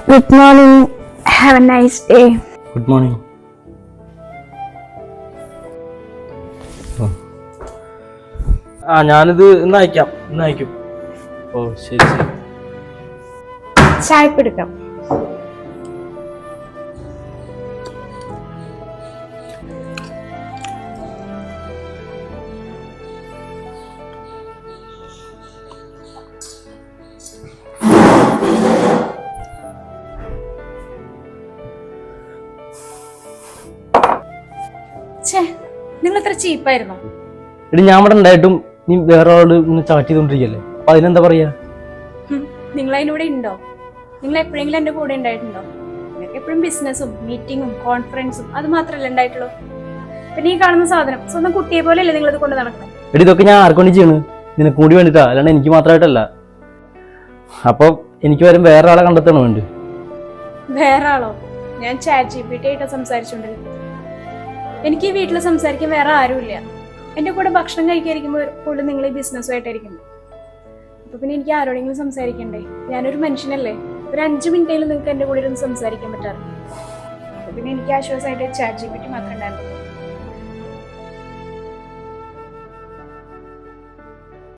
Good morning. Have a nice day. Good morning. ഞാനിത് ഇന്ന് അയക്കും. ഓ ശരി. ചായ എടുക്കാം. നിങ്ങൾ എത്ര ചീപ്പായിരുന്നോ? എടി ഞാൻ ഇവിടെ ഉണ്ടായിട്ടും നീ വേറെ ആളോട് ഇങ്ങനെ ചാറ്റ് ചെയ്തോണ്ടിരിക്കല്ലേ, അപ്പൊ അതിനെന്താ പറയാ? നിങ്ങൾ അതിനൂടെ ഉണ്ടോ? നിങ്ങൾ എപ്പോഴെങ്കിലും എന്റെ കൂടെ ഉണ്ടായിട്ടുണ്ടോ? നിങ്ങൾക്ക് എപ്പോഴും ബിസിനസ്സും മീറ്റിങ്ങും കോൺഫറൻസും അത് മാത്രമല്ല ഉണ്ടായിട്ടുള്ളൂ. പിന്നെ ഈ കാണുന്ന സാധനം സ്വന്തം കുട്ടിയെ പോലെയല്ലേ നിങ്ങൾ ഇത് കൊണ്ട് നടക്കുന്നത്? എടി ഇതൊക്കെ ഞാൻ ആർക്കൊണ്ടി ചെയ്യണ്? നിനക്ക് കൂടി വേണ്ടിട്ടാ, അല്ലാണ്ട് എനിക്ക് മാത്രമായിട്ടല്ല. അപ്പൊ എനിക്ക് വരും വേറെ ആളെ കണ്ടെത്തണം വേണ്ട. വേറെ ആളോ? ഞാൻ ChatGPT ആയിട്ടാ സംസാരിച്ചോണ്ടിരിക്കുന്നത്. എനിക്ക് ഈ വീട്ടിൽ സംസാരിക്കാൻ വേറെ ആരുമില്ല. എന്റെ കൂടെ ഭക്ഷണം കഴിക്കാതിരിക്കുമ്പോൾ പോലും നിങ്ങൾ ഈ ബിസിനസ്സുമായിട്ടായിരിക്കുന്നു. അപ്പൊ പിന്നെ എനിക്ക് ആരോടെങ്കിലും സംസാരിക്കണ്ടേ? ഞാനൊരു മനുഷ്യനല്ലേ. ഒരു 5 മിനിറ്റേലും നിങ്ങൾക്ക് എന്റെ കൂടെ ഇരുന്ന് സംസാരിക്കാൻ പറ്റാറ്. അപ്പൊ പിന്നെ എനിക്ക് ആശ്വാസമായിട്ട് ChatGPT മാത്രമേ ഉണ്ടായിരുന്നു.